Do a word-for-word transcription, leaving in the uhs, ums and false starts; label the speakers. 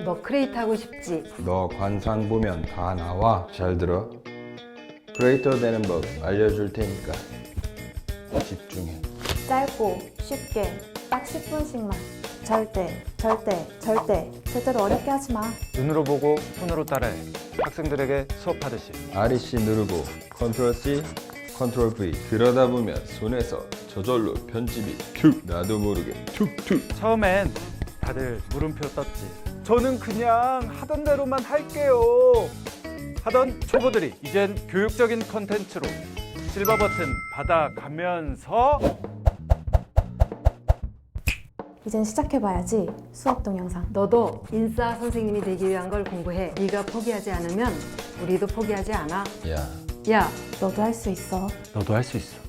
Speaker 1: 너 크리에이트 하고 싶지?
Speaker 2: 너 관상 보면 다 나와. 잘 들어. 크리에이터 되는 법 알려줄 테니까 집중해.
Speaker 3: 짧고 쉽게 딱 십 분씩만. 절대, 절대, 절대, 절대로 어렵게 하지 마.
Speaker 4: 눈으로 보고 손으로 따라해. 학생들에게 수업하듯이.
Speaker 2: 알이씨 누르고 컨트롤 C, 컨트롤 V. 그러다 보면 손에서 저절로 편집이 툭 나도 모르게 툭툭.
Speaker 4: 처음엔 다들 물음표 떴지. 저는 그냥 하던 대로만 할게요 하던 초보들이 이젠 교육적인 컨텐츠로 실버 버튼 받아가면서
Speaker 3: 이젠 시작해봐야지. 수업 동영상.
Speaker 1: 너도 인싸 선생님이 되기 위한 걸 공부해. 네가 포기하지 않으면 우리도 포기하지 않아.
Speaker 2: 야,
Speaker 1: 야,
Speaker 3: 너도 할 수 있어.
Speaker 4: 너도 할 수 있어.